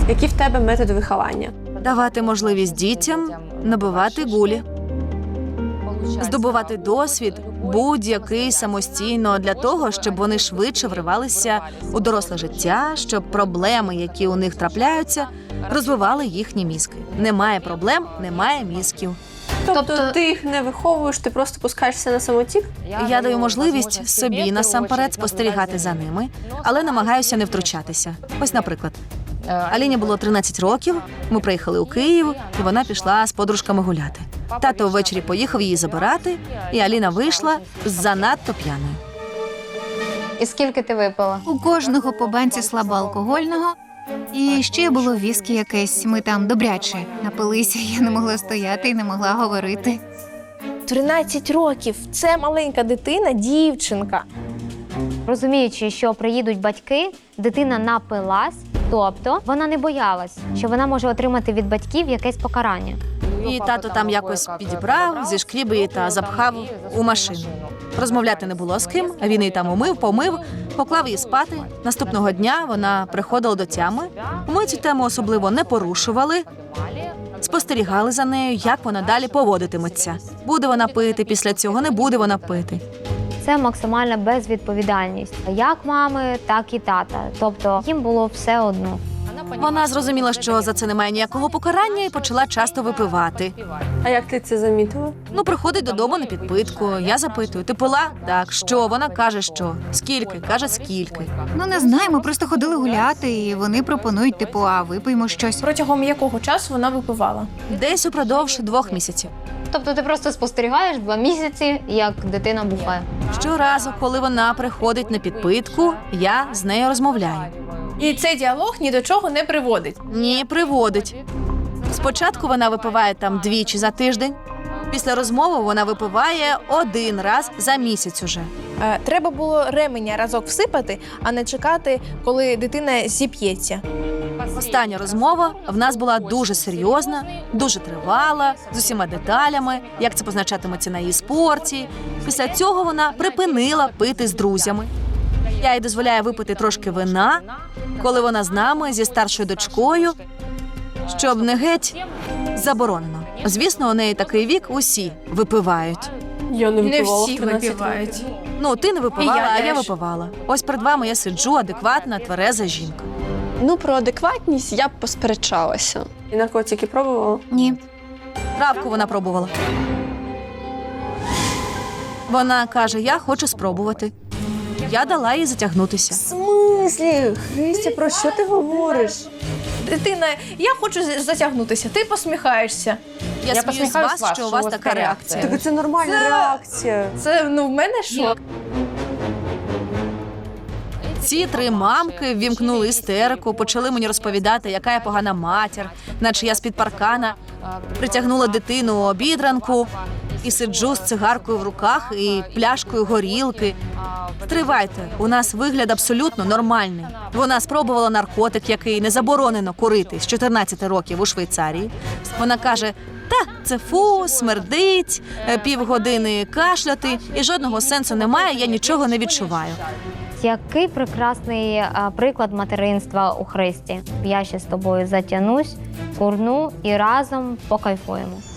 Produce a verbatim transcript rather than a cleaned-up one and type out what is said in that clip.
Які в тебе методи виховання? Давати можливість дітям набивати гулі. Здобувати досвід будь-який самостійно для того, щоб вони швидше вривалися у доросле життя, щоб проблеми, які у них трапляються, розвивали їхні мізки. Немає проблем, немає мізків. Тобто, Тобто- ти їх не виховуєш, ти просто пускаєшся на самотік? Я даю можливість собі насамперед спостерігати за ними, але намагаюся не втручатися. Ось, наприклад, Аліні було тринадцять років, ми приїхали у Київ, і вона пішла з подружками гуляти. Тато ввечері поїхав її забирати, і Аліна вийшла занадто п'яною. І скільки ти випила? У кожного по банці слабоалкогольного. І ще було віскі якесь. Ми там добряче напилися. Я не могла стояти і не могла говорити. тринадцять років. Це маленька дитина, дівчинка. Розуміючи, що приїдуть батьки, дитина напилась, тобто вона не боялась, що вона може отримати від батьків якесь покарання. І тато там якось підібрав, зішкріб її та запхав у машину. Розмовляти не було з ким, він її там умив, помив, поклав її спати. Наступного дня вона приходила до тями. Ми цю тему особливо не порушували, спостерігали за нею, як вона далі поводитиметься. Буде вона пити після цього, не буде вона пити. Це максимальна безвідповідальність. Як мами, так і тата. Тобто їм було все одно. Вона зрозуміла, що за це немає ніякого покарання і почала часто випивати. А як ти це замітила? Ну, приходить додому на підпитку. Я запитую, ти пила? Так, що? Вона каже, що? Скільки? Каже, скільки. Ну, не знаю, ми просто ходили гуляти, і вони пропонують, типу, а випиймо щось. Протягом якого часу вона випивала? Десь упродовж двох місяців. Тобто ти просто спостерігаєш два місяці, як дитина бухає. Щоразу, коли вона приходить на підпитку, я з нею розмовляю. І цей діалог ні до чого не приводить. Ні, приводить. Спочатку вона випиває там двічі за тиждень. Після розмови вона випиває один раз за місяць уже. Е, Треба було ременя разок всипати, а не чекати, коли дитина зіп'ється. Остання розмова в нас була дуже серйозна, дуже тривала, з усіма деталями, як це позначатиметься на її спорті. Після цього вона припинила пити з друзями. Я їй дозволяю випити трошки вина, коли вона з нами, зі старшою дочкою, щоб не геть заборонено. Звісно, у неї такий вік, усі випивають. Я не Не випивала всі в тринадцять випивають. років. Ну, ти не випивала, І я а я теж. випивала. Ось перед вами я сиджу, адекватна, твереза жінка. Ну, про адекватність я б посперечалася. І наркотики пробувала? Ні. Травку вона пробувала. Вона каже, я хочу спробувати. Я дала їй затягнутися. В смислі? Христя, про що ти говориш? Дитина, я хочу з- затягнутися, ти посміхаєшся. Я, Я сміюсь з посміхаюсь вас, з вас, що у вас така реакція. Так це нормальна реакція. Це, ну, в мене шок. Ці три мамки ввімкнули істерику, почали мені розповідати, яка я погана матір, наче я з-під паркана притягнула дитину у обідранку і сиджу з цигаркою в руках і пляшкою горілки. Стривайте, у нас вигляд абсолютно нормальний. Вона спробувала наркотик, який не заборонено курити з чотирнадцяти років у Швейцарії. Вона каже, та, це фу, смердить, е, півгодини кашляти, і жодного сенсу немає, я нічого не відчуваю. Який прекрасний а, приклад материнства у Христі. Я ще з тобою затягнусь, курну і разом покайфуємо.